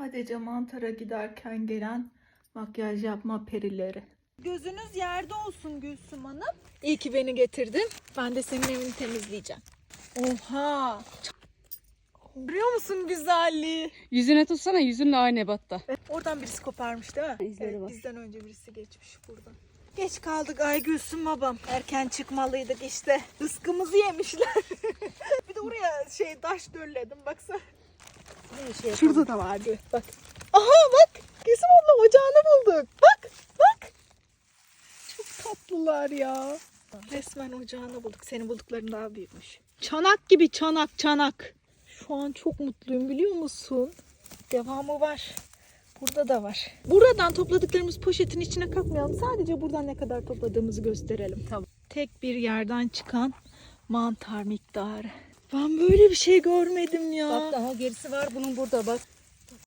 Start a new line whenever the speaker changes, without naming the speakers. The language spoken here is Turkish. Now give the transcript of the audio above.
Sadece mantara giderken gelen makyaj yapma perileri.
Gözünüz yerde olsun Gülsüm Hanım. İyi ki beni getirdin. Ben de senin evini temizleyeceğim. Oha! Görüyor musun güzelliği?
Yüzüne tutsana, yüzünle aynı ebatta.
Oradan birisi koparmış değil mi?
İzleri var.
Bizden önce birisi geçmiş buradan. Geç kaldık ay Gülsüm babam. Erken çıkmalıydık işte. Rızkımızı yemişler. Bir de oraya taş dölledim baksana. Şurada da vardı. Bak. Aha bak. Gülsüm abla ocağını bulduk. Bak. Bak. Çok tatlılar ya. Resmen ocağını bulduk. Senin buldukların daha büyükmüş. Çanak gibi çanak. Şu an çok mutluyum biliyor musun? Devamı var. Burada da var. Buradan topladıklarımız poşetin içine katmayalım. Sadece buradan ne kadar topladığımızı gösterelim.
Tamam.
Tek bir yerden çıkan mantar miktarı. Ben böyle bir şey görmedim ya.
Bak daha gerisi var bunun burada bak.